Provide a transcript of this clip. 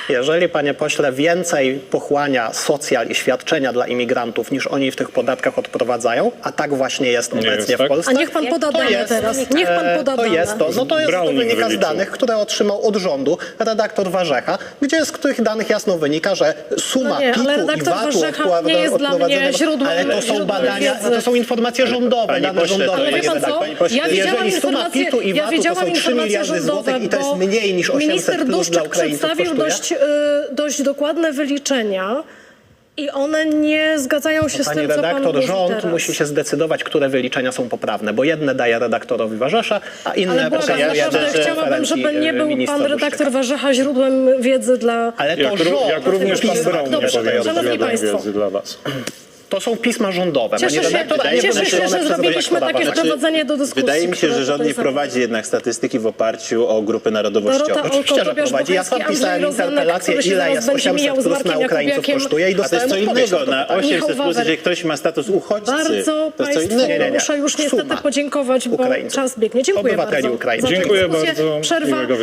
Jeżeli, panie pośle, więcej pochłania socjal i świadczenia dla imigrantów, niż oni w tych podatkach odprowadzają, a tak właśnie jest obecnie tak? w Polsce. A niech pan poda dane teraz. Niech pan poda To dane. jest to. No to jest to Browning wynika z wyliczył. danych, które otrzymał od rządu redaktor Warzecha, gdzie z których danych jasno wynika, że suma No nie, PIT-u ale i redaktor VAT-u Warzecha nie jest dla mnie odprowadzonego- źródłem- Ale to są źródłem badania, wiedzy. to są informacje rządowe, Panie dane pośle, rządowe. Ale wie panie pan co? redaktor. Panie pośle, Ja widziałam Jeżeli suma informacje, PIT-u i VAT-u to są 3 informacje miliardy rządowe, złotych i to jest bo mniej niż 800 minister plus dla Duszczak Ukraińców przedstawił kosztuje. dość dokładne wyliczenia i one nie zgadzają się z Panie tym, co pan redaktor, mówi rząd teraz. musi się zdecydować, które wyliczenia są poprawne, bo jedne daje redaktorowi Warzesza, a inne Ale błagam, pokazuje naprawdę na chciałabym, żeby konferencji nie był ministra pan Duszczyka. redaktor Warzecha źródłem wiedzy dla... Ale to Jak rząd, również pan pisma, Braun nie Dobrze, powinien szanowni odpowiadać państwo. wiedzy dla was. to są pisma rządowe, Cieszę panie się, redaktor, a nie cieszę się, wymyślone że przez zrobiliśmy redaktora takie Warzesza. wprowadzenie do dyskusji. Wydaje mi się, która że rząd tutaj nie prowadzi jednak statystyki w oparciu o grupy narodowościowe. Dorota Oczywiście, że Olko-Tobiasz prowadzi. Ja sam Bocheński, pisałem Andrzej Rozenek, interpelację, który się ile zaraz jest będzie 800 mijał z plus Markiem na Ukraińców Jakubiakiem. kosztuje i A to jest dostałem co odpowiedź innego. na Na to pytanie. 800 Michał plus, Wawek. jeżeli ktoś ma status uchodźcy, Bardzo to jest co państwu innego. muszę już niestety Suma podziękować, bo Ukraińców. czas biegnie. Dziękuję Obywateli bardzo Ukraińców. za tę Dziękuję dyskusję. bardzo. Przerwa. Miłego